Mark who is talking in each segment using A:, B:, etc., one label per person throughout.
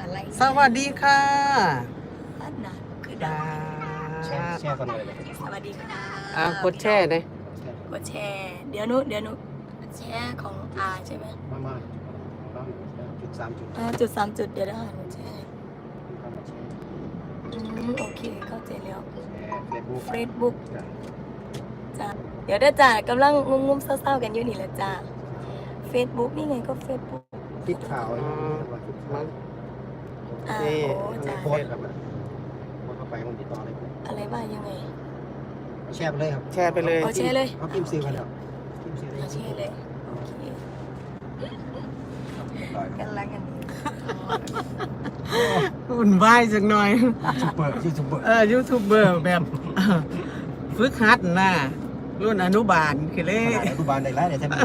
A: อะไร
B: สวัสดีค่ะ
A: อันนั้นคือดาว
C: แช่กันเลย
A: สวัสดีค่ะ
B: กดแช่เลย
A: กดแชร์เดี๋ยวนุแชร์ของอาใช่ไหม
C: มาจุด3 จุด
A: จุด3 จุดเดี๋ยวได้หนูแชร์โอเคเข้าใจแล้วเฟซบุ๊กจ้าเดี๋ยวได้จ้ากำลังงุ้มๆเศร้าๆกันอยู่นี่แหละจ้าเฟซบุ๊กนี่ไงก็เฟซบุ๊ก
C: ติดข่าว
A: โอ้จ้า
C: โพสครับโพสเข้าไปมันติดต่อเลย
A: อะไรบ้างยังไง
C: แชร์ไปเลยครับ
B: แชร์ไปเลย
A: เอาแชร์เลย
C: เขาพิมพ์ซื้อกันแล้วพิมพ์ซื้อ
A: เอาแชร์เลยโอเคกันละกัน
B: อุ่นวายสักหน่อย
C: ซุปเปอร์ชื่อซุปเปอร์
B: ยูทูบเบอร์แบบ ฝึกหัดน่ะรุ่นอนุบาลคือเล
C: ข
B: ย
C: นาดอนุบาลได้ไล่ได้ใช่ไหม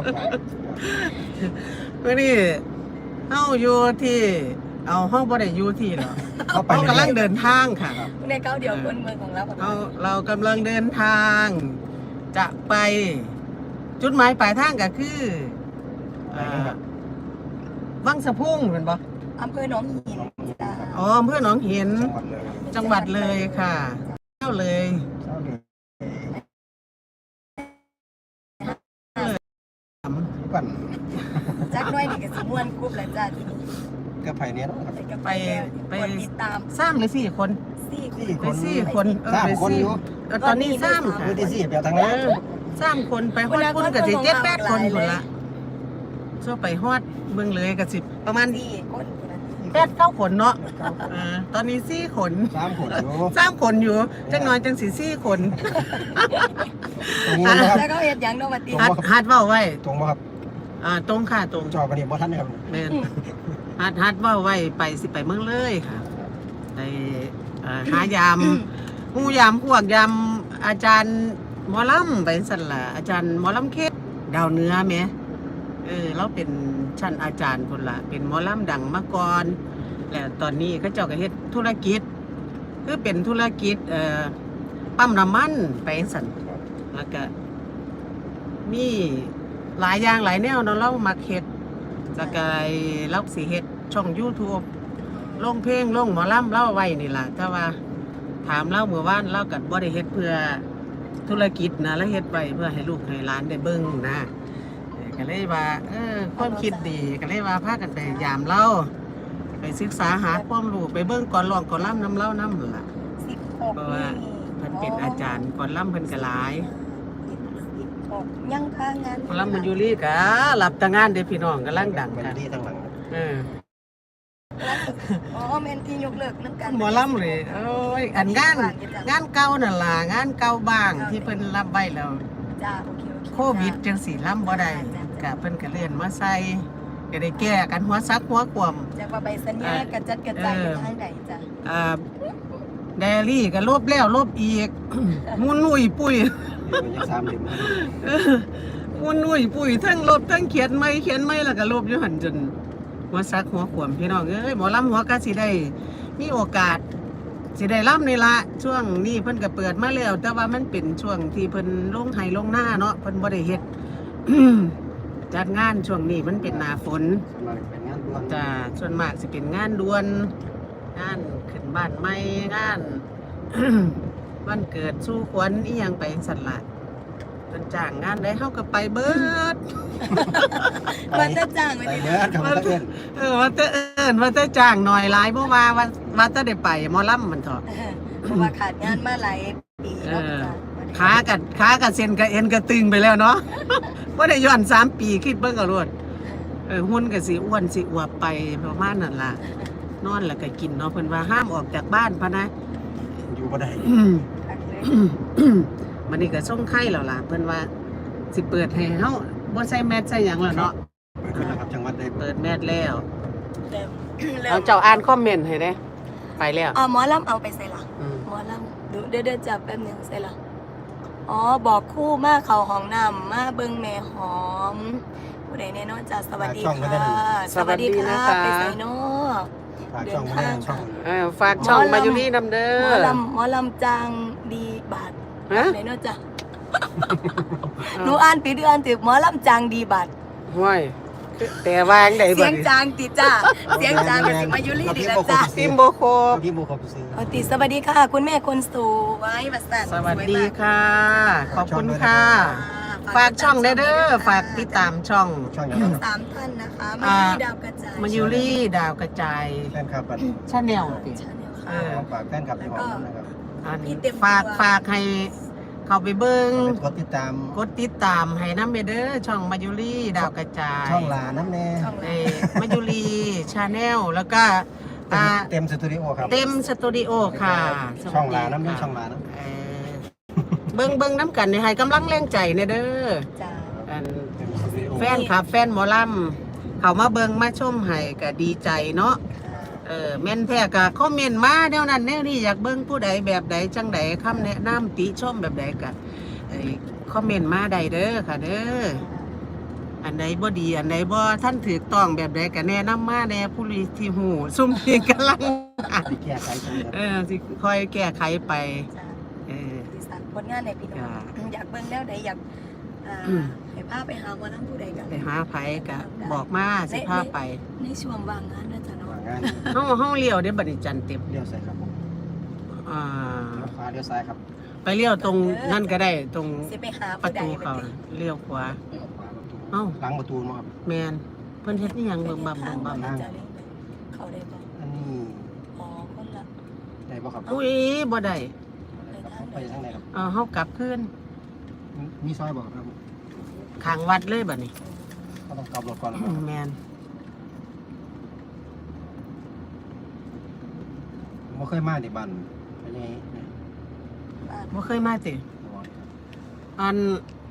B: เมื่อนี้เฮาอยู่ที่เอาห้องบ่ได้อยู่ที่หรอก
C: เข้าไป
B: เรากำลังเดินทางค่ะ
A: ในเก้าเดียวคนเมืองของเรา
B: เรากำลังเดินทาง จะไปจุดหมายปลายทางก็คือวังสะพุ่งเป็นปะ
A: อำเภอหนองหินจ้า
B: อ๋ออำเภอหนองหิน จังหวัดเลยค่ะเที่ยวเลย
C: ปั่น
A: จักน้อยนี่ก็สิม่วนกรุ๊ปแล้วจ้าทีนี้
C: ก็ไผ่เนี้ยนะครับ
A: ไปกดติดตาม
B: สร้างเลย4 คน
A: 4
B: ไป4 คนไป
C: คนอยู่
B: ตอนนี้สร้างค่ะ
C: คือที่สี่เปียวทางนั้น
B: 3 คนไปฮอดพุ่นกับสิ7-8 คนคนละช่วไปฮอดเมืองเลยกับ10ประมาณ
A: 4 คน
B: 8-9 คนเนาะตอนนี้4 คน
C: 3 คนอยู่
B: 3 คนอยู่จังน้อยจังสิ4 คน
C: ตรงนี้นะครับ
A: แล้วก็เฮ็ดหยังเนาะว่าติ
B: ฮัดเว้าไว้
C: ตรงป่ะครับ
B: ตรงค่ะตรง
C: จอกันนี่บ่ทันนะครับ
B: แม่นฮัดเว้าไว้ไปสิไปเมืองเลยค่ะไปหายามหมู่ยามพวกยามอาจารย์หมอลำไปสั่นล่ะอาจารย์หมอลำเขตดาวเหนือแหมเราเป็นชั้นอาจารย์พุ่นล่ะเป็นหมอลำดังมาก่อนแล้วตอนนี้เขาเจ้าก็เฮ็ดธุรกิจคือเป็นธุรกิจปั๊มน้ำมันไปสั่นแล้วก็มีหลายอย่างหลายแนวเนาะเรามักเฮ็ดแล้วก็เราสิเฮ็ดช่อง YouTube ลงเพลงลงหมอลำเล่าไว้นี่ล่ะแต่ว่าถามเล่าเมื่อวานเล่ากับบ่ได้เฮ็ดเพื่อธุรกิจนะแล้วเฮ็ดไว้เพื่อให้ลูกให้หลานได้เบิ่งนะก็เลยว่าความคิดดีก็เลยว่าพากันไปยามเล่าไปศึกษาหาความรู้ไปเบิ่งก่อนร้องก่อนล่ำน้ำเล่าน้ำล่ะ
A: 16
B: เพราะว่าเพิ่นเป็นอาจารย์ก่อนล่ำเพิ่นก็หลาย
A: 16ยังค้างงาน
B: ก่อนล่ำมันอยู่ลีกะรับแต่งานเด้อพี่น้องกำลังดัง
C: มัน
B: กัน
C: ดีทางหลัง
A: อ๋อแม่นที่ยกเลิกนำกัน
B: หมอลำเลยโอ้ยอันงานเก่านั่นล่ะงานเก่าบ้างที่เพิ่นรับไว้แล้ว
A: จ้าโอเค
B: โควิดจังสีลำบ่ได้กะเพิ่นก็เลื่อนมาใส่ก็ได้แก้กันหัวซักหัวขวม
A: จากว่าใบสัญญากระจัดกระจายไปทางใดจ้ะ
B: แดรี่ก็ลบแล้วลบอีก มุนนุ่ยปุ้ย
C: มันยัง3 เล่ม
B: มุนนุ่ยปุ้ยทั้งลบทั้งเขียนไม่แล้วก็ลบอยู่หั่นจนหัวซักหัวขวมพี่น้องเอ้ยหมอลำหัวก็สิได้มีโอกาสสิได้ล่ำนี่ละช่วงนี้เพิ่นก็เปิดมาแล้วแต่ว่ามันเป็นช่วงที่เพิ่นลงไห้ลงหน้าเนาะเพิ่นบ่ได้เฮ็ด จัดงานช่วงนี้มันเป็นหน้าฝน
C: มันเป็นงานด่วน
B: จะส่วนมากสิเป็นงานด่วนงานขึ้นบ้านใหม่งาน วันเกิดสู้ขวัญอีหยังไปสั่นละเพิ่นจ้างงานได้เฮาก็ไปเบิด
A: มันจะจ้างไว้
C: ไป
A: ที่
C: เนื้อกับมันเอื้อน
B: ว่าแต่ว่าแต่จ้างหน่อยหลายบ่ว่าแต่ได้ไปหมอลำมันเถาะ
A: เพราะว่าขาดงานมาหลายปีแล้วจ้ะ
B: ขากับเส้นกับเอ็นก็ตึงไปแล้วเนาะ บ่ได้ย้อน3 ปีคิดเบิ่งก็รวดหุ่นก็สิอ้วนสิอวบไปประมาณนั้นล่ะนอนแล้วก็กินเนาะเพิ่นว่าห้ามออกจากบ้านพะนะ
C: อยู่บ่ได้
B: มันนี่ก็ส่งไข่แล้วล่ะเพิ่นว่าสิเปิดให้เฮาบ่ใส่แมสใส่หยังแล้วเนาะ
C: ไปขึ้นนะครับจังหวัดได้
B: เปิดแมสแล้ว
A: แล้ว
B: เอาเจ้าอ่านคอมเมนต์ให้เด้ไปแล้ว
A: หมอลำเอาไปใส่หลังหมอลำดูเดี๋ยวจับแป๊บนึงใส่หลังอ๋อบอกคู่มาเขาห้องน้ำมาเบิ่งแม่หอมผู้ใดแน่นอนจ้ะสวัสดีค่ะสวัสดีค่ะไปใส่เนาะ
C: ฝากช่องมาได้ช่อง
B: ฝากช่องมาอยู่นี่นำเด้
A: หมอลำจางดีบาท
B: ฮะ
A: ไหนเนาะจ้ะหนูอ่านผิดหรืออ่านถูกหมอลำจางดีบาท
B: ห้วยแต่วางได้
A: เสี
B: บ่
A: ยงจางติจ้าเสียงจางกับสิมายุรีดีละจ้า
B: ซิมโบโค
C: ที่โมเขาไปซื้อ
A: เอาติสวัสดีค่ะ คุณแม่คนสวยบัสสัน
B: สวัสดีค่ะ ขอบคุณค่ะ ฝากช่องได้เด้อฝากติดตามช่อง
C: ช่องอย่าง
A: ทั้
C: นั้
A: ง
C: น
A: สามท่านนะคะมายุรีดาวกระจาย
B: มายูรี่ดาวกระจาย
C: แฟนคลับกัน
B: ชาแนลติ
A: ชาแนล
B: เอ
A: ค่ะ
B: อ
C: ฝากแฟนคลับที่หอมนะครับ
B: อันฝากให้เข้าไปเบิ่ง
C: กดติดตาม
B: กดติดตามให้น้ำเด้อช่องมายุรี่ดาวกระจาย
C: ช่องลาน้ำแน่
A: ช่อง
B: เอมายุรี่ชาแนลแล้วก็อ่า
C: เต็มสตูดิโอครับ
B: เต็มสตูดิโอค่ะสวัสดี
C: ช่องลาน้ำแน่
B: ค่ะ
C: ช่องลาน้
B: เออเบิ่งน้ำกันให้กำลังแรงใจเนเด้อ
A: จ้า
B: อัน
C: ำเต็มสตูดิโอ
B: แฟนคลับแฟนหมอลำเขามาเบิ่งมาชมให้ก็ดีใจเนาะแม่นแท้ก็คอมเมนต์มาแนวนั้นแนวนี้อยากเบิ่งผู้ใดแบบใดจังใดคำแนะนำติชมแบบใดก็คอมเมนต์มาได้เด้อค่ะเด้ออันใดบ่ดีอันใดบ่ท่านถูกต้องแบบใดก็แนะนำมาแน่ผู้ที่หูซุ่มที่กำลัง
C: ที่แก้ไขตรงนี้ครับ
B: สิค่อยแก้ไขไป
A: จ้า
B: เออ
A: ดีสันผลงานในพี่น้องอยากเบิ่งแล้วใดอยากให้พาไปหาวันนั้นผู้ใดกัน
B: ไปหาไผก็บอกมาสิพาไป
A: ในช่วงว่างงานนะจ๊ะเนาะ
C: วางงาน
B: เฮาเลี้ยวเด้อบัดนี้จันเต็ม
C: เลี้ยวใส่ครับผม
B: อ่า
C: เลี้ยวขวาเลี้ยวซ้ายครับ
B: ไปเลี้ยวตรงนั่นก็ได้ตรง
A: สิไปหา
B: ประ
A: ผู้ใด
B: ตู
A: ไป
B: เขาน่ะเลี้ยวขวา
C: เลี้ยวขวาประตู
B: เอ้า
C: หลังประตูมาครับ
B: แมนเพิ่นเฮ็ดนี่ยังเบิ่งบับ
A: ทา
B: เบิ่งบับ
A: มันจะเล่นเขาได้บ่
C: อันนี้
A: อ๋อคนละ
C: ได้ป่ะครับ
B: อุ้ยบ่ได้
C: ไปทางไหนครับ
B: เฮากลับคืน
C: มีซอยบอกครับ
B: ข้างวัดเลยบัดนี้
C: ก็ต้องกลับรถก่อนนะค
B: อื
C: รับ
B: มแมน
C: ผมบ่เคยมาที่บ้านไปยังไง
A: บ้าน
B: บ่เคยมาติอัน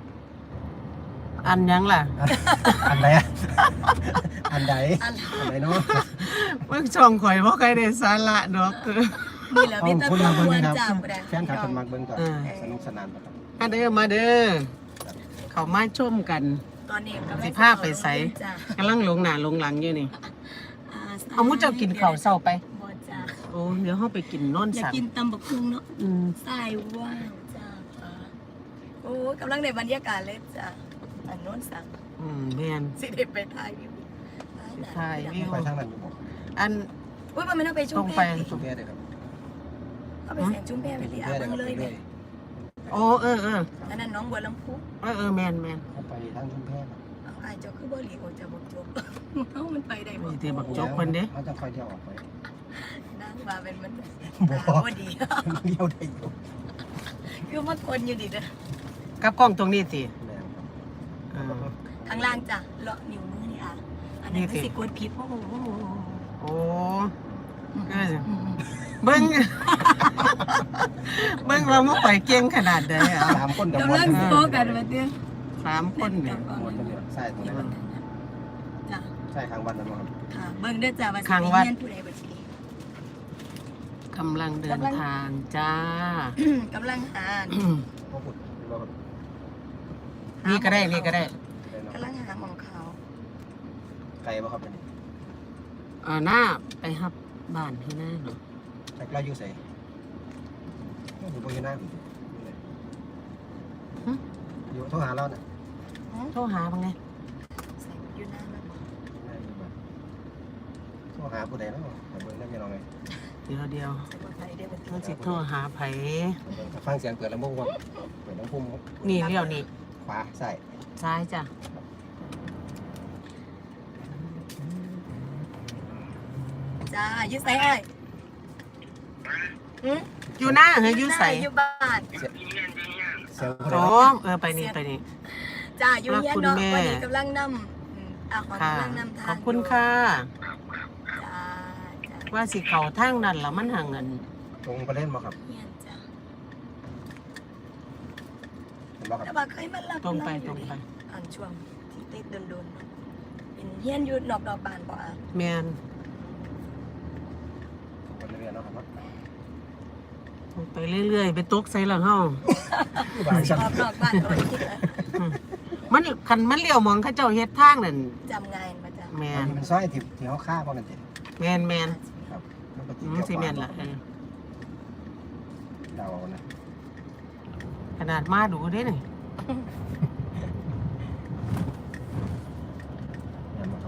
B: หยังล่ะ
C: อันไหนอะอันใด
A: อะไร
C: อันไหนเนาะ
B: เบิ่งช่องข่อยบ่เคยได้สาระดอก
A: นี่แหละพี่ตะ
C: คุณ
A: ก
C: มา
A: ว
C: เบิ่ง
A: น
C: นะครับ
A: จับได้
C: แฟนคลับคนมักเบิ่งก่อน
B: เออ
C: สนุกสนานครับ
B: มาเด้อมาเด้อเข้ามาชมกัน
A: ตอนนี้กำลัง
B: สิพาไปไส
A: จ้ะ
B: กำลังหลงหน้าหลงหลังอยู่นี่
A: อ่
B: เอามุ้เจ้ากินข้าวเช้าไป
A: บ่จ้ะ
B: โอ้เดี๋ยวเฮาไปกินโนน
A: อยาก
B: สัน
A: กินตำบักหุ่งเนาะ
B: อืม
A: สายว่างจ้าฟ้าโอ้กำลังในบรรยากาศเลยจ้ะอันโน้นสั่ง
B: แม่น
A: สิได้ไปถ่ายวิว
B: ถ่ายวิว
C: ไปทางนั้นอยู่บ่
B: อัน
A: อุ้ยมันไม่ต้องไปชุ่
B: ต
A: ม
B: รง
A: แพ
B: ไป
C: ชุมแพได้ครับ
A: เอาไปเสียงชุ่มแพไปดิอา
C: ได้
A: เบิ่ง
C: ครับ
A: เลย
C: เล
A: เนี่ย
C: ย
B: โอ้เออ
A: อันนั้นน้องบัวลำพู
B: แม่น
C: เขาไปทางชุมแพครับ
A: เอาอายเจ้าคือบ่หลีโอจะบอกจบ เอ้ามันไปได้บ่
B: มีแต่บักจกเพิ่นเด้
C: เขาจะคอยเที่ยวออกไป
A: นางว่าเป็นมัน
C: บ่
A: บ่ดี
C: เลี้ยวได้อยู่
A: คือมันคนอยู่ดิเด้อ
B: กับกล้องตรงนี้สิ
C: แม่นครับ
B: เออ
A: ข้างล่างจ้ะเลาะนิ้วมือนี่อ่ะอันนั้นคือสิกดผิดโอ้โห
B: โอ้ก็สิเบิ่ง เบิ่งว่ามันไปเก่งขนาดใดอ่ะ
C: สามคนกับ
A: กำ
C: มว
A: ลั
C: น
A: งโซกันมาเตี้ย
B: 3คนเนี่ย
C: มวนกันเนี่ยใช่ตรงนี้ครับ
A: จ้ะ
C: ใช่ทางวันนั้นบ่ครับ
A: ค่ะเบิ่งเด้อจ้ะว่าสิ
B: ข้าง
A: ไป
B: วัด
A: เรียนผู้ใดบ่สิ
B: กำลังเดินทางจ้า
A: กำลังหา
C: บ่พูดบ่ครับ
B: นี่ก็ได้
C: ได้เนาะ
A: กำลังหาของเขา
C: ไกลบ่ครับอันนี้
B: หน้าไปฮับบ้านที่หน้าเนาะ
C: แต่เราอยู่ไสอยู่บ่อยู่หน้าอยู่โทรหาเราน่ะ
B: โทรหาบ้างไง
A: ใส่อยู่นานแล้วบ่
C: โทรหาผู้ใดเนาะไปเบิ่งได้แม่น้องไง
B: เดี๋ยว
A: ใส่บ่ใส่ได้บ่
B: มันสิโทรหาไผ
C: ฟังเสียงเปิดลำโพงก่อนเปิดลำโพง
B: นี่เลี้ยวนี่
C: ขวาใส่
B: ซ้ายจ้ะ
A: จ้าอยู่ไสอ้ายหึ
B: อยู่หน้าเฮ้ยอยู่ใส่
A: อยู่บ้าน
C: เสียงผู้ใด
B: อ๋อ
C: เนาะ
B: ไปนี่
A: จ้าอยู่เฮียนเนาะ
B: ขอบคุณแม่
A: วันนี้กำลังนำของ
B: ค่ะ
A: กำลังนำทาง
B: ขอบคุณค่ะ
A: จ้าจ้า
B: ว่าสิเขาทางนั้นแล้วมันห่างเงิน
C: ตรงประเด็นบ่ครับ
A: เฮียนจ้า
C: เห็นบ่ครับ
A: แต่ว่าเคยมารับ
B: ตรงไป
A: เราอยู่ อันช่วงที่ติดโดนๆเนาะเป็นเฮียนอยู่นอกดอกบานบ่อ่ะ
B: แมน
C: คนเรียนเนาะครับ
B: ตรงไปเรื่อยๆ ไปตกใส่หลังเฮา
C: บางชั้น
A: ออกนอกบ้านก็บ่ได้คิดแล้ว
B: มันคันมันเลี้ยวมองเขาเจ้าเฮ็ดทางนั่น
A: จำง่ายมาจ้า
B: แม
C: อัน
B: น
C: นี้มันซอยที่เขาฆ่าบ่แม่นติ
B: แมน
C: ครับมันก็
B: มันสิแมนล่ะ
C: เดาเอานะ
B: ขนาดมาดูเด้นี่
C: แม่นบ่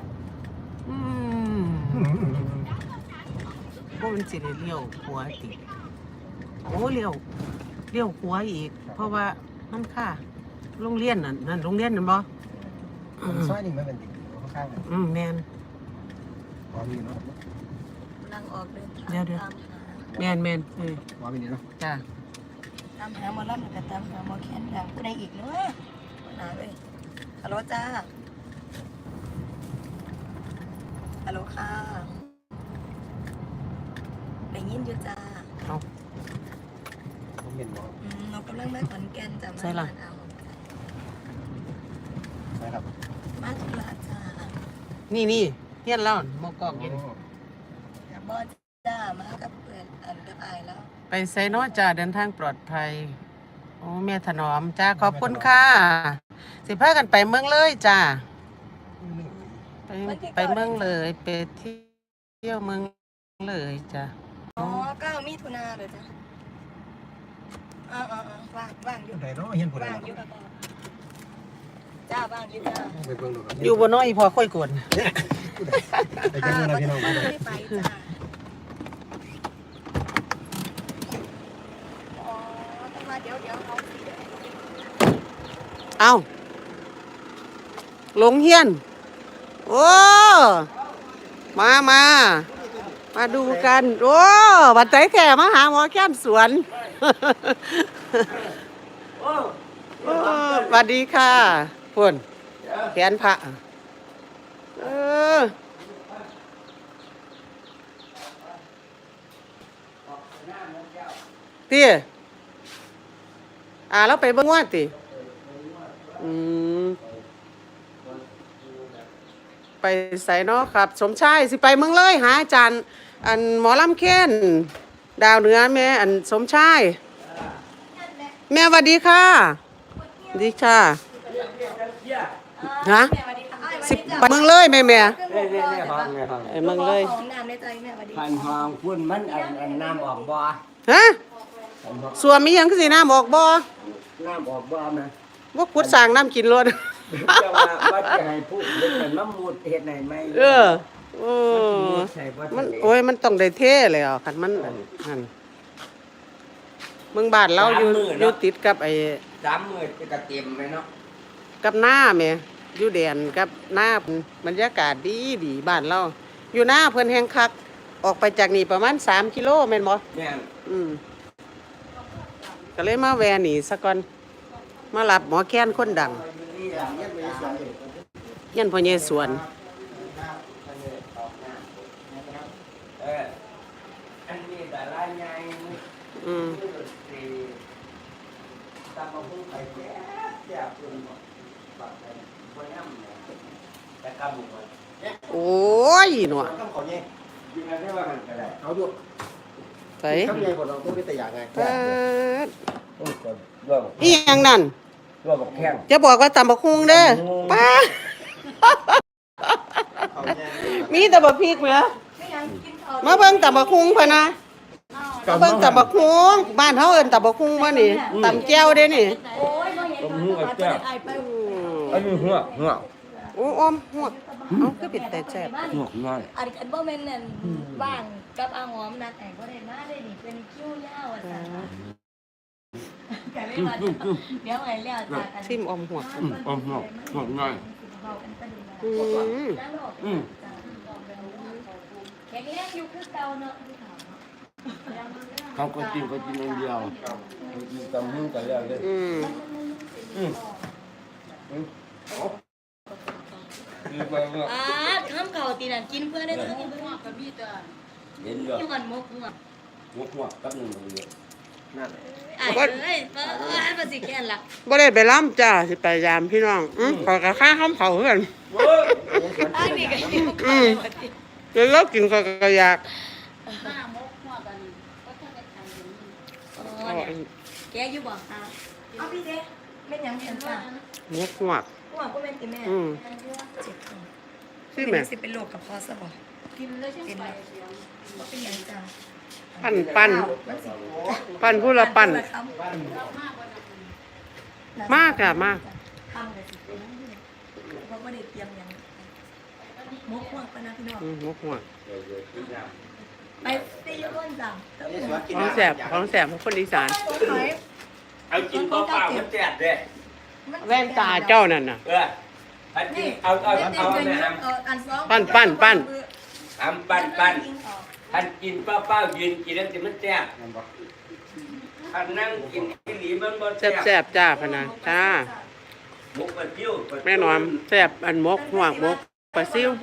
B: ราะมันสิได้เลี้ยวขวาติโอ้เลี้ยวขวาอีก เพราะว่ามันค่ะโรงเรียนนั่นโรงเรียนนั่นบ่
C: ซอยนี่มันเป็นติ่งข้างๆกัน
B: แมน
C: พอมีเนาะ
A: นั่งออกเดินทาง
B: เดี๋ยว
A: ตามหา
B: แมน
C: พอมีนี่เนาะ
B: จ้า
A: ตามหาหมอลำแล้วก็ตามหาหมอแคนดังผู้ใดอีกเนาะหาเลยฮัลโหลจ้าฮัลโหลค่ะได้ยินอยู่จ้า
B: เอา
C: ผมเห็นบ่
A: เรากำลังมาขอนแก่นจ้ะ
B: ใช่ล่ะ
C: ใช่ครับ
A: มาธุระจ้า
B: นี่เฮียนแล้วหมอกอกเย็น
A: บอจ้ามากับเพื่อนอันกับอายแล้ว
B: ไปไซโนจ้าเดินทางปลอดภัยโอ้แม่ถนอมจ้าขอบคุณค่ะสิพากันไปเมืองเลยจ้าไปเมืองเลยไปเที่ยวเมืองเลยจ้า
A: อ๋อ9 มิถุนาเลยจ้าว่างอยู่
C: ไหนเนาะเห็นผู้ใด
A: ว่างอยู่กับจ้าว่างอยู่จ้า
C: ไปเบิ่งดู
B: อยู่บนน้อยพอค่อยกวน
C: ไปเบิ่งดูนะพี่น้อง
A: ไม่ได้ไปจ้าอ๋อต้องมาเดี๋ยวเอาสิเดี๋ยว
B: เอาลงเฮียนโอ้มาดูกันโอ้บัดใจแข่มาหาหมอแก้มสวนโอ้สวัสดีค่ะพุ่นแขนพระตีแล้วไปเบิ่งว่าติไปใส่เนาะครับ สมชายสิไปเมืองเลยหาอาจารย์อันหมอลำเค้นดาวเหนือแม่อันสมชายแม่สวัสดีค่ะสวัสดีค่ะฮะสิไปเมืองเลยแม่ไอ้เมืองเลย
A: ของน้ำในใจแม่สวัสดี
D: พันหองพุ่นมันอันน้ำออกบ่อ
B: ฮะส่วนมีหยังคือสิน้ำออกบ่
D: น้ำออกบ่อนะ
B: ว่าขุดสร้างน้ำกินรถ
D: จะว่าจะให้พูดเฮ็ดเป็นมะมูดเฮ็ดไหนไหม
B: มันโอ้ยมันต้องได้เท่เลยอ่ะคันมันนั่นเมืองบ้านเราอยู่ติดกับไอ้
D: 3 มื้อจะกระเต็มเลยเนาะ
B: กับหน้าแม่อยู่แดนกับหน้าบรรยากาศดีบ้านเราอยู่หน้าเพิ่นแห่งคักออกไปจากนี่ประมาณ3 กิโลแม่นบ่
D: แม่น
B: ก็เลยมาแวะนี่ซะก่อนมารับหมอแค้นคนดังยันพ่อใหญ่สวน
D: อันนี้แต่ละใหญ่ตามมาพุ่งไปแจ๊บพุ่นบ่บักไปบ่ย่ำแต่กำบ่
B: โอ้ยหนว
C: ต้องขอแย่
D: ยิงกันได้ว่ามันก็ได้
C: เอาดู
B: ใส่
C: ทำไงบ่เราต้องไปแต่อย่างไง
B: เปิด
D: ต้องกดร่วม
B: อีหยังนั่น
D: ร่วมกับแข้ง
B: จะบอกว่าตำบักฮุงเด้อป้า มีแต่บักพริกเหรอมาเบิ่งตำบักฮุงพะนะมาเบิ่งตำบักฮุงบ้านเฮาเอิ้นตำบักฮุงบ่นี่ตำแก้วเด้นี่
A: โอ้ยมาเห็นกับตาไอ้ไป
D: อันนี้หัว
B: โอ้ออมหวกเอาคือเป็นแต่แซ่บ
D: ง่าย
A: อันกันบ่แม่นนั่นบ้างกับอาหอมนะแต่บ่ได้มาได้นี่เป็นคิ้วยาวอ่ะจ้ะกันเลยมาเดี๋ยวไอ้แล้วจ้ะกัน
B: ซิมออมหวก
D: ง่าย
A: แค่นี้อยู่คือเก่าเนาะ
D: เขาก็กินอันเดียวกินตำหุ้งกันแล้วเลยคือไปว่า
A: ข้ามเก่าตีนั่นกินเพื่อได้ทั้งนี้
D: เห็นเยอะ
A: อยู่ก่อนมกหัว
D: หัวกับหนึ่งเลย
C: นั่น
A: ไอ้เอ้ยมาสิแค่นล่ะ
B: บ่ได้ไปล้ำจ้าสิไปยามพี่น้องขอกะค่าข้ามเผาเพื่อน
A: ไอ้นี่ก็อยู่ก่อน
B: เดี๋ยวเรากินก็อยาก
A: แกอยู่บ่เอาพี่เด้เป็นหยังเห็นจ้ะ
B: หวกหวก
A: หัวก็เป็นติแม่เจ็บท้อง
B: สิแม่
A: สิเป็นโรคกระเพาะซะบ่กินเลยใช่ไหมบ่เป็นหยังจ้ะ
B: ปั้นผู้ละปั้นมากอะมาก
A: ทำเลยสิเพราะบ่ได้เตรียมหยังมกหัวปะนะพี่น้อง
B: หวกหวก
A: ไปอยู่จ้ะ
B: ของแสบของแสบของคนอีสาน
D: เอากินเปล่าๆมันแซ่บเด้
B: แว่นตาเจ้านั่นน่ะ
D: อันนี้เอานะฮะ
B: ปั้น
D: ทำปั้นท่านกินเปล่าๆยืนกินแล้วจะมันแซ่บท่านนั่งกินที่หลีมันบ่
B: แซ่บๆจ้าพะนะจ้า
D: หมกปลาจิ้ว
B: แม่นอนแซ่บอันมกหวกมกปลาซิว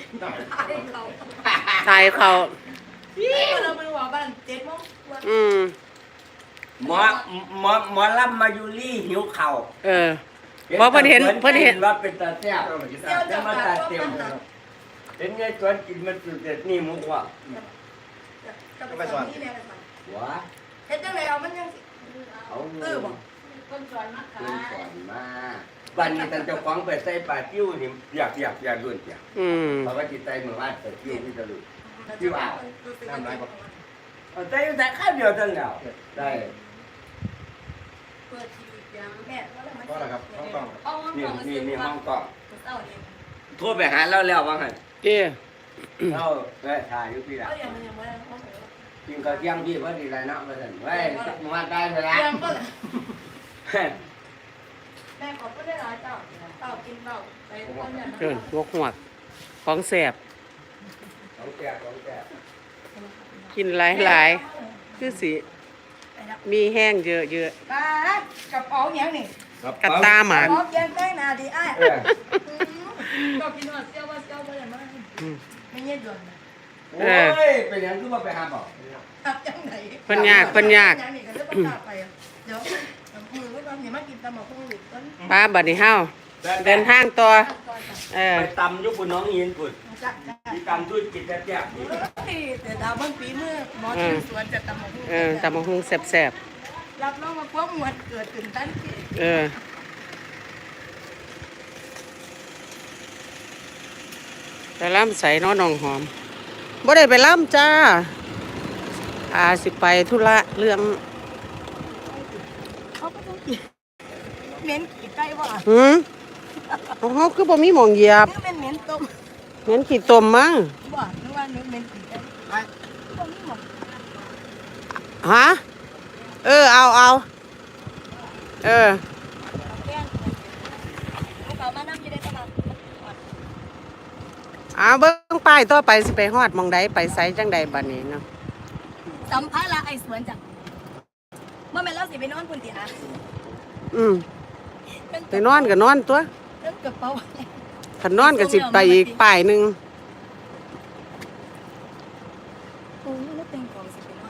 B: ทายเขา
A: เราไปหัวบ้าน7 โมง
D: หมอลำมายูรี่หิวเข่า
B: บ่เพิ่นเห็น
D: ว่าเป็นตาแซ่บจะมาตาเต็มเห็นไงสวนกินมันสุดเด็ดนี่มุกว่า
A: ก็ไปสอนที่แม่ไปสอน
D: หัว
A: เฮ็ดจังไดเอามันยังสิ
D: เอาเงินคนสอนมาบ้านนี้ท่านเจ้าของไปใส่ปลาจิ้วนี่อยากรุ่นจ้ะเพราะว่าจิตใจเหมือนว่าปลาจิ้วที่ตะลุยจิ้วอ่าวน้ำลายก็ใส่แต่ข้าวเดียวเท่านั้นได้
A: เปิดทีวียังแม่ว่าแล้วมัน
C: ก็อะไรครับต้องต้อง
A: เอาห้อง
D: นี่ห้องกล้อง
A: เศร้าเอง
D: โทรไปหาเราแล้วว่าไง
B: เจ้
D: เราถ่ายอยู่พี่ละ
A: เอาอย่างมันยังไม่ได้ห้องไหน
D: กินข้าวเที่ยงพี่ว่าดีไรเนาะมาสั่นเว้ยมาได้ไปละ
A: ยังก็แม่ขอพูดได้หลายเต่ากินเต่าไปคนอย่างนั้น
B: มกหวกของแสบ
D: ของแก่
B: กินหลายๆคือสิมีแห้งเยอะ
A: กระเป๋าอย่างนี้
B: ๆกระตาหมาก
A: พร้อมยังได้นาดีไอ้ก็กินว่าเซี่ยวว่าเซี่ยวไปอย่างนั้นไม่เย็นด่วน
D: โอ้ยเป็นยังคือว่าไปหาบ่
A: ตับจังไหนอย่างนี้ก็เลือกปากไปเดี๋ยวมือก็ทำอย่างมากินตำหมกพุ่งหลุดต้น
B: ป้าบัดนี้เฮาเดินทางต่อ
D: ไปตำยุบุน้องยินปุ่น
A: จัด
D: ที่ตำด้วยกินแซ่บ
A: แต่ดาวบางปีเมื่อหมอที่สวนจะตำหมกพุ่ง
B: ตำบักหุ่งแซ่บ
A: รับน้องมาพวกมวลเกิดตื่นตันที่
B: ไปล่ำใส่น้อน้องหอมบ่ได้ไปล่ำจ้าสิไปธุระเรื่อง
A: เขาก็ต้องกินเหม็นขี้ไก่ว่ะ
B: ของเฮาคือบ่มีหม่องเหยียบ
A: นี่เป็นเหม็นต้ม
B: เหม็นขี้ต้มมั้ง
A: ว่ะนึกว่านึกเหม็นขี้ไก่ต้มนี่หมด
B: ฮะเอา
A: แก้งเขามานั่งอยู่ได้ประมาณ
B: เบิ่งป้ายต่อไปสิไปฮอดหม่องใดไปไสจังใดบัดนี้เนาะ
A: สัมภาระไอ้สวนจังเมื่อแม่เราสิไปนอนพุ่นติอา
B: ไปนอนก็นอนตัว
A: เรื่องกระเป๋า
B: คันนอนก็สิไปอีกป้ายหนึง
A: โอ้ยแล้วเป็นของสิไปนอน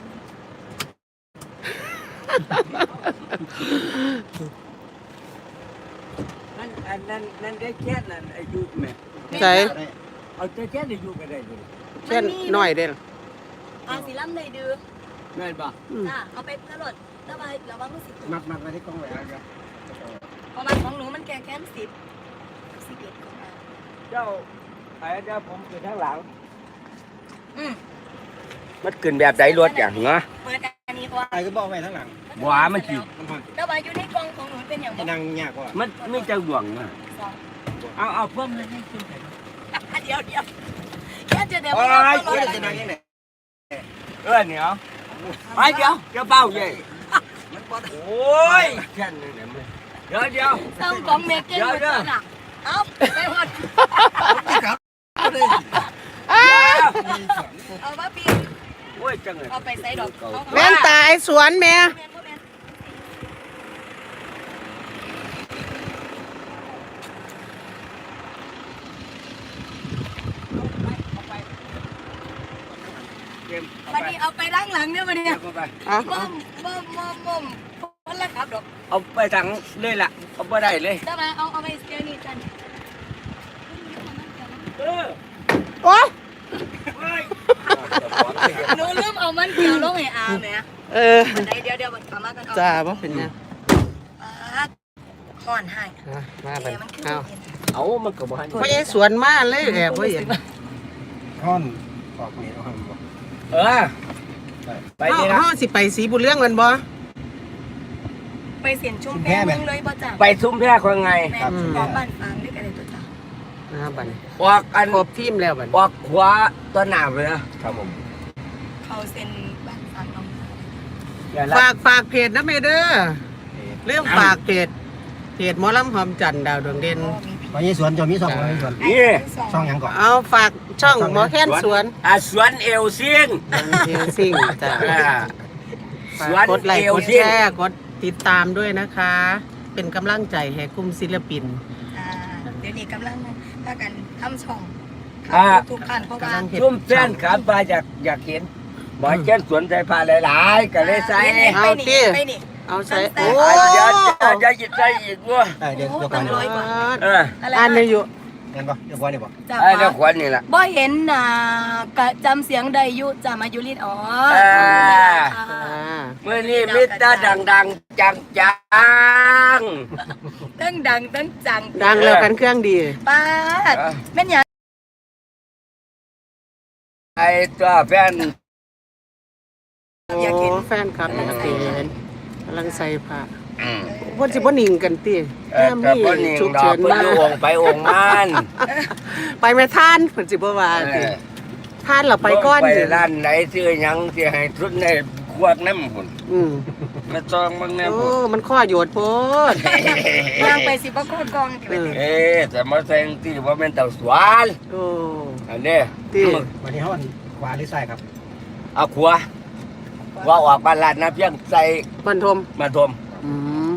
D: ๆนั่นได้แค่นั้นอายุแม่
B: ใส่
D: เอาแค่อายุก็ได้เลย
B: เช่นน้อยเด้อ
A: สีล่ำเลยดื้อ
D: แม่นบ่
A: จ้าเอาไปตลอดแล้วไปแล้วว่ามันสิ
C: มักมาที่กล้องไว้แล้ว
A: ประมาณของหนูมันแก่แค่10 11ของเรา
D: เจ้าไอ้เจ้าผมคือข้างหลัง
A: อืม
D: มันขึ้นแบบใดรถอย่างเนาะ
A: เปิดอันนี้ว่า
C: ไอ้ก็บอกไว้ทั้งหลัง
D: หวามันสิ
A: แล้วว่าอยู่ในกล่องของหนูเป็นอย่าง
C: ที่นั่งยากกว่า
D: มันไม่เจ้าหลวงนะ
A: 2
D: เอาเพิ่มเลยให้ขึ้นไป
A: เดี๋ยวแค่จะเดี๋ยว
C: โอ้
A: ไม่
C: ย
A: ต้องรอ
C: จะนั่งยังไง
D: เหนียวไปเดี๋ยวเบาใหญ่โอ้ยแค่นี้เนี่ยเดี๋ยว
A: ต้องของเมเก้นอยู่ตัวน่ะเอาไปหมดเอามาปี
D: โอ้ยจังเลย
A: เอาไปใส่ดอก
B: แม่นตายสวนแม่
A: วันนี้เอาไปด้านหลังเนี่ยวันนี้
B: อ่ะ
A: ม่อมคนละครับดอก
D: เอาไปถังเลยล่ะเอาไปได้เลย
A: ได้มาเอาไปเจอนี่กัน
B: โอ้ย
A: หนูลืมเอามันเกี่ยวลงให้อาแม่ เดี๋ยวมันกลับมากัน
B: จ้าบ่เป็นหยัง
A: ห่อนให้
B: มาบัด
A: มันคือ
B: เอา
D: มันก็บ่ให้
B: พ่อใหญ่สวนมาเลยแอบบ่เห็น
C: ท่อนออกนี่ท่อนบอก
D: ไปนี่นะ
B: เฮาสิไปสีบุญเรื่องกันบ่
A: ไปเสียนชุ่มแพ้เมืองเลยป่ะจ้ะ
D: ไปซุ้มแพรคนไง
A: แม่ขอบ้านฟางด้วยกันเลยตัวจ้ะ
B: บัดนี้
D: ออกอัน
B: ครบทีมแล้วบัดนี้
D: ออกขวาตัวหนาไปนะครับผม
A: เขาเซ็นบ้านฝากน้อง
B: ฝากเพจนะเมเด้อเรื่องฝากเพจหมอลำหอมจันทร์ดาวดวงเด่น
C: ตอนนี้สวนจะมีสองคนสวน
D: นี่
C: ช่องยังก่อน
B: เอาฝากช่องหมอแค้นสวน
D: สวนเอลซิง
B: เฮลซิงจ้ะ
D: สวน
B: กดไล
D: เอ
B: ค์
D: ล
B: กด
D: ซิ
B: แช
D: ง
B: ร์กดติดตามด้วยนะคะ เป็นกำลังใจให้กลุ่มศิลปิน
A: เดี๋ยวนี้กำลังพากันทำช่องทุกขั้นเพราะว่า
D: ชุ่มแฟนครับมาอยากเห็นหมอแก้นสวนใจพาหลายๆก็เลยใส่
B: เอาสิ
A: ไปนี่
B: เอาใส่
A: โอ้
B: โอ้
D: เดี๋ยวจะหยิบใส่อีกว่า
C: เดี๋ยวก่อน
A: ร้อยกว่า
B: อันนี้อยู่
C: เดี๋ยวก่อนเดี๋ยวก่อนเดี๋ยวก่อน
A: จ้า
D: เดี๋ยวขวัญนี่แหละ
A: บ่เห็นน่ะกะจำเสียงได้อยู่จ้ามายุรินอ๋อ
B: À.
D: เมื่อนี้มิตรดังๆจัง
A: ตั้งดังตั้งจัง
B: ดังแล้วกันเครื่องดี
A: ป้าดแม่นหยัง
D: ไอ้ตัวแฟน
A: อยากเห็น
B: โอ้แฟนคลับอยากเห็นกำลังใส่ผ้าเพิ่นสิบ่นิ่งกันติ
D: แต่พอนี่
B: ฉุก
D: ดอ
B: เฉิ
D: ก
B: น
D: เพิ่
B: มาน
D: องไปองมัน
B: ไปแม่ท่านเพิ่นสิบ่ว่าติท่านเราไปก่อน
D: ไป
B: สิ
D: ร้านไหนซื้อหยังสิให้ทุนในขวดน้ำพุ่น
B: อืม
D: มาจองมึงแน่
B: โอ้
D: พุ่น
B: มันข้อโยดโพด
A: ย่างไปสิบ่โคตรกองที่ไปเตะ
D: แต่มาแซงที่ว่าเป็นเต่าสวน
B: โอ้
D: อันนี้
B: ติ
C: วันนี้เขาขวาหรือซ้ายครับ
D: เอาขัวว่าออกบ้านลาดนะเพียงใส่
B: บรรทม
D: มาทม
B: อืม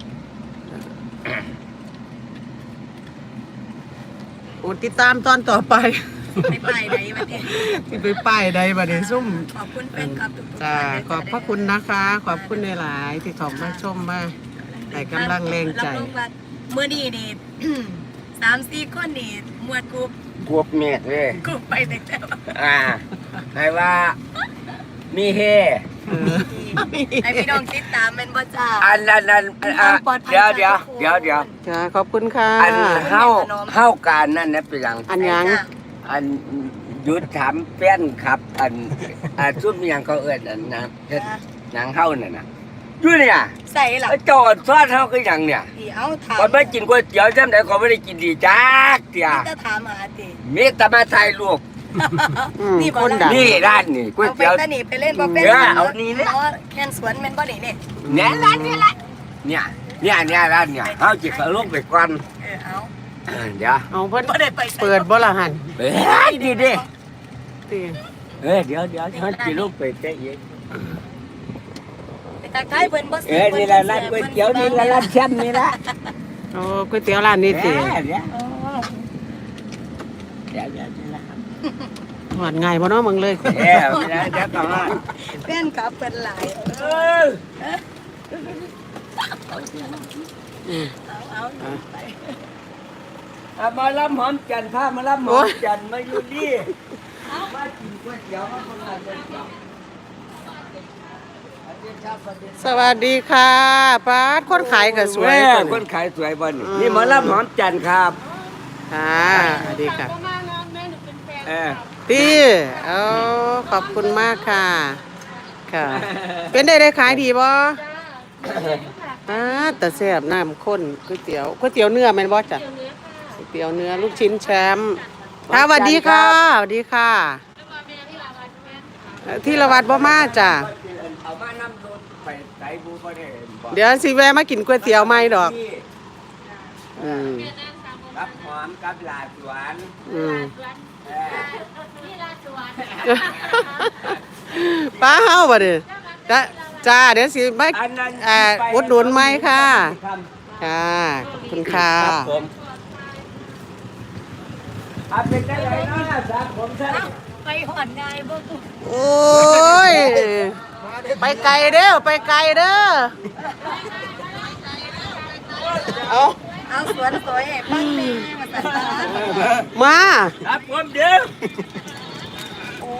B: โอ้ติดตามตอนต่อไป
A: ไปป้ายใดมาเตะ
B: ที่ไปป้ายใดบัดนี้ซุ่ม
A: ขอบคุณแฟนคลับทุกๆ
B: จ้า
A: ท่าน
B: ขอบพระคุณนะคะ ขอบคุณในหลายๆที่เขอมาชมมาให้กำลังแรงใจ
A: รับรองว่ามื้อนี้นี่ 3-4 คนนี่มวดกรุ๊ป
D: กวบเมียดเลย
A: กรุ๊ปไปแต่แต่ว่า
D: ให้ว่ามีเฮ
A: ให้พี่น้องติดตามแม่นบ่จ้า
D: อันเดี๋ยว
B: จ้าขอบคุณค่ะ
D: อันเฮาการนั่นนะเป็นหยัง
B: อันยัง
D: อันหยุดถามแฟนครับ อันซุ่มหยังเขาเอิ้นอันนะเฮ็ดหนังเฮานั่นน่ะอยู่เนี่ย
A: ใส่ล่ะ
D: จอดซอดเฮาคือหยังเนี่ย
A: ที่เอาถาม
D: ก่อนไปกินก๋วยเตี๋ยวจำได้ก็ไม่ได้กินดีจักเตี่ย
A: จะถามหาติ
D: มีแต่มาถ่ายรูป
A: นี่บ่
B: คน
A: ล่ะ
B: ดัง
D: นี่ร้านนี่ก๋วย
A: เอาไป
D: เตี๋ยว
A: ตะนี่ไปเล่นบ่เป็น
D: เอานี่เนี่ย
A: อ๋อแคนสวนแม่นบ่นี่นี่
D: เนี่ยร้านนี่แหละเนี่ยร้านเนี่ยเอาจิเขาลงไปก่อน
A: เอา
D: เดี๋ยว
B: เอาเพิ่น
A: บ่ได้ไปใส่
B: เปิดบ่ละหัน
D: เอ้ยดีดิ
B: ติ
D: เดี๋ยวเขาจิลงไปเตะอีก
A: ไปตาไกลเพิ่นบ่ซื้
D: นี่ละร้านก๋วยเตี๋ยวนี่ละร้านแชมป์นี่ละ
B: โอ้ก๋วยเตี๋ยวร้านนี้ติ
D: เดี๋ยว
A: อ๋อ
D: นี่ละ
B: หวานง่ายบ่เนาะมึงเลย
D: เดี๋ยวก่อน
A: แฟนคลับเพิ่นหลาย
B: อืม
A: เอาไป
D: มาล้ำหอมจันทร์พามาล้ำหอมจันทร์มาอยู่นี่มากินก๋วยเตี๋ยวมาคนละก๋วยเตี๋ยว
B: สวัสดีค่ะป้าดคนขายก็สวย
D: ค
B: คน
D: นขายสวยบ่นี่นี่หมอลำหอมจันทร์ครับ
B: ค่ะสวัสดีค่ะ
D: เออ
B: ตีเอาขอบคุณมากค่ะ ค่ะ เป็นได้ขายดีบ่แต่แซ่บน้ำข้นก๋วยเตี๋ยวเนื้อแม่นบ่จ้ะก๋วยเตี๋ยวเนื้อลูกชิ้นแชมป์ค่ะสวัสดีค่ะสวัสดีค่ะที่ละวัดบ่มาจ้ะ
D: เอามานำรถไปไสบูบ่ได้บ่
B: เดี๋ยวสิแวะมากินก๋วยเตี๋ยวใหม่ดอก อืม
D: รับหอมกับลาสวน
B: อืม
D: เออ
B: ป้าเฮาบ่เด้อจ้าเดี๋ยวสิมา
D: อันนั้น
B: อุดหนุนไหมค่ะ ค่ะขอบคุณค่ะ
D: ครับผมเป็นได้ไรเนาะสามผมท่าน
A: ไปหอดง่ายบ่
B: โอ้ย ไปไกลเด้อไปไกลเด้อเอา
A: เอาสวนสวยให้ปังนี่มาตัดตา
B: มา
D: ครับผมเดี๋ยว
A: โอ้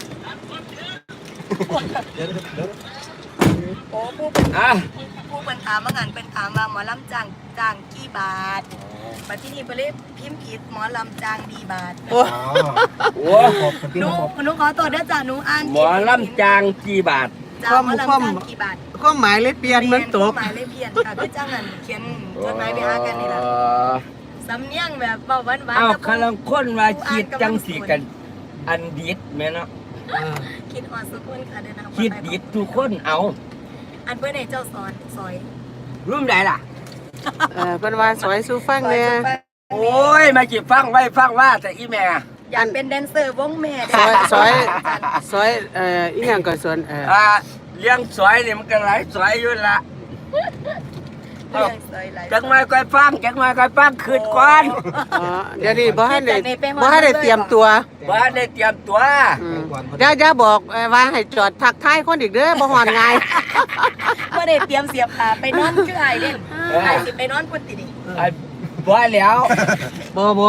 A: โอ้ผู้เป็น
D: อ่ะ
A: ผู้เป็นถามว่างานเป็นถามว่าหมอลำจ้างกี่บาทมาที่นี่ไปเลยพิมพ์ผิดหมอลำจ้างดีบาท
B: โอ้
D: โอ้
C: ขอบคุณพี่
A: หนู
C: ขอบ
A: หนูขอตัวเด้อจ้าหนูอ่าน
D: หมอลำจางกี่บาท
A: จ้าหมอลำจ้างกี่บาท
B: ก็หมายเลยเปลี่ยนมันตก
A: หมายเลยเพียนค่ะคือจ้างนั่นเขียนจดหมายไปหากันนี่ล่ะสำเนียงแบบเบาหวานๆ
D: อ้าว
A: แต่
D: คลังคนว่าคิดจังสีกัน อันดีดแม่เนาะ
A: คคิดฮอดสุกคนค่ะเดินทางปลอ
D: คิด
A: ภัย
D: ดิดทุกคนเอา
A: อันเพื่อนให้เจ้าสอนซอย
D: รุ่มใดล่ะ
B: เพิ่นว่าสวยสู่ฟังเนี่ย
D: โอ้ยมาจีบฟังไว้ฟังว่าแต่อีแม่
A: อยากเป็นแดนเซอร์วงแม่
B: สวยอีหยังก็สวน
D: เลี้ยงสวยนี่มันก็หลายสวยอยู่ละ
A: เรื่องซอยหลาย
D: จังมาค่อยฟังจังมาค่อยฟังคืนก่อน
B: อ๋อเดี๋ยวนี้บ่ให้ได้เตรียมตัว
D: ว่าได้เตรียมตัว
B: อย่าบอกว่าให้จอดทักทายคนอีกเด้อบ่ฮอดง่าย
A: บ่ได้เตรียมเสียบขาไปนอนคือไอ้เด้นไอ้สิไปนอนพุ่นติดิ
D: ไอ้บ่แล้ว
B: บ่น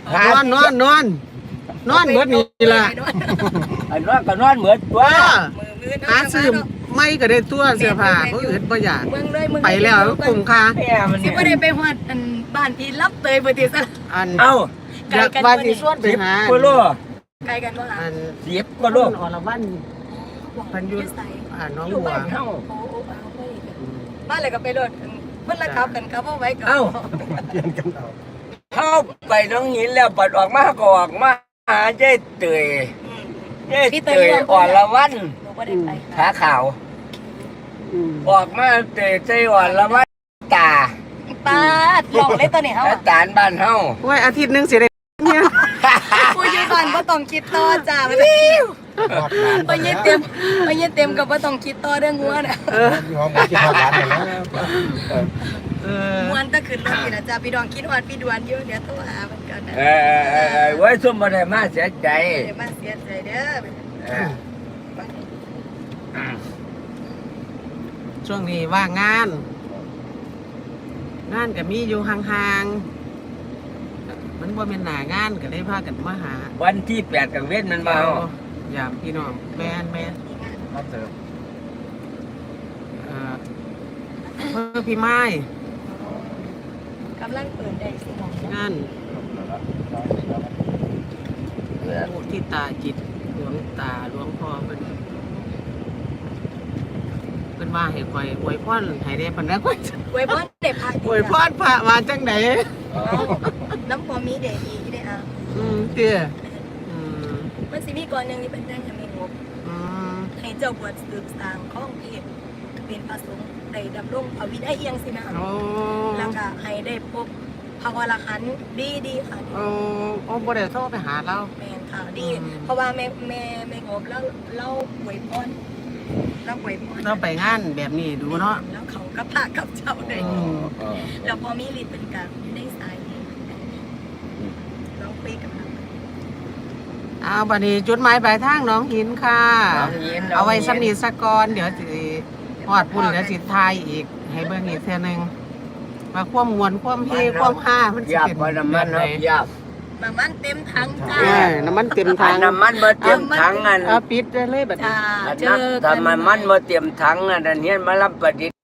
B: อนเบิดนี่ล่ะ
D: ไอ้นอนก็นอนเหมือนตัว
A: มือ
B: หาซื้อไม่ก็ได้ตัวเสื้อผ้าบ่อื่นบ่อยาก
A: เมืองเลยเมือง
B: ไปแล้วคุ้มค่า
D: แม่มัน
A: สิบ่ได้ไปฮอดอันบ้านพี่รับเตยบ่ติซะ
B: อัน
D: เอ้า
B: อยากว่าสิชวนไปหา
D: 10กว่าโล
A: ไกลกันบ่ล่ะ
B: อัน
D: 10กว่าโล
B: อรวันเพิ่นอยู่น้อง
D: อยู่
B: บัว
D: บ้านเฮา
A: โอ้เอาไปบ้านเลยก็ไปรถเพิ่นละครับกันครับเอาไว้ก่อน
D: เอ้า
C: เปลี่ยนกันเอา
D: เฮาไปน้องหินแล้วปัดออกมาก็ออกมาหาเจ้เตยเจ้เตยอ่อนละวัน
A: หนูบ่ได้ไป
D: ขาขาวออกมาเตยเจ้อ่อนละวันตา
A: ป้าดลองเลยตัวนี้เฮา
D: แล้วตาลบ้านเฮา
B: โอ้ยอาทิตย์หนึงสิได้เนี่ย
A: ผู้อยู่บ้านบ่ต้องคิดต่อจ้าบ่
C: รอดร้าน
A: ไปยืดเต็มก็บ่ต้องคิดต่อเรื่องงัวน่ะ
C: มีห้องมากินรอดร้านกันแล้ว
A: ม่วนตะขึ้นรถนี่นะจ้าพี่ดองคิดฮอดพี่ดวนอยู่เดี๋ยวโทรหาเพิ่นก่อนนะ
D: ไว้ซุ่มบ่ได้มาเสียใจ
A: เดี๋ยวมาเสียใจเด้อ
B: ช่วงนี้ว่างงาน งานก็มีอยู่ห่างๆมันบ่แม่นหน้างานก็เลยพากันมาหา
D: วันที่8กังเว้นมันมาเฮาย
B: ามพี่น้องแม่น
C: รับเสริม
B: เพื่อพี่ไม้
A: กำลังเปิดได้สิมอง
B: งานมุทิตาจิตหลวงตาหลวงพ่อเพิ่นว่าให้ข่อยอวยพรให้ได้ปานนั้นข่อย
A: ไว้บ่ได้พัก
B: อวยพรพระมาจังได๋
A: น้ำพอมีเดดีที่ได้อ่ะ
B: เตี้ยอืม
A: มันสิมีก่อนหนึงนี่เป็นแจ้งให้มีงบ
B: อืม
A: ให้เจ้าบวชสืบสร้างของเพศเป็นพระสงฆ์ได้ดำรงภวินัยเอียงสินะ
B: โอ้
A: แล้วก็ให้ได้พบพระวรหันต์ดีค่ะ
B: โอ้บ่ได้โทรไปหาเรา
A: แม่นค่ะดี เพราะว่าแม่งบแล้วเล่าหวยพรแล้วหวยพร
B: เราไปงานแบบนี้ดูเนาะ
A: แล้วเขาก็พากับเจ้าได้
B: อืม
A: แล้วพอมีฤทธิ์เป็นการได้สายเราคุยกับเรา
B: เอาบัดนี้จุดหมายปลายทางหน้องหินค่ะ เอาไว้สำนีสักก่อนเดี๋ยวสิฮอดพุ่นแล้วสิทายอีก ให้เบิ่งอีกเทื่อนึงว่าความม่วนความเฮความฮามันสิ
D: ยับ
B: เป็น
D: บ่น้ำมัน
B: แบบ
D: เฮา
B: ไห
D: ยับ
A: น้ำมันเต็มถังจ้า
B: น้ำมันเต็มทาง
D: น้ำมันบ่เตรียมถังอัน
B: เอาปิดได้เลยบัดนี้
A: จ้า
D: อัน
A: เจ
D: นั้น
A: อกั
D: ถ้าน มันบ่เตรียมถังอันนั้นเฮียนมารับประดิษฐ์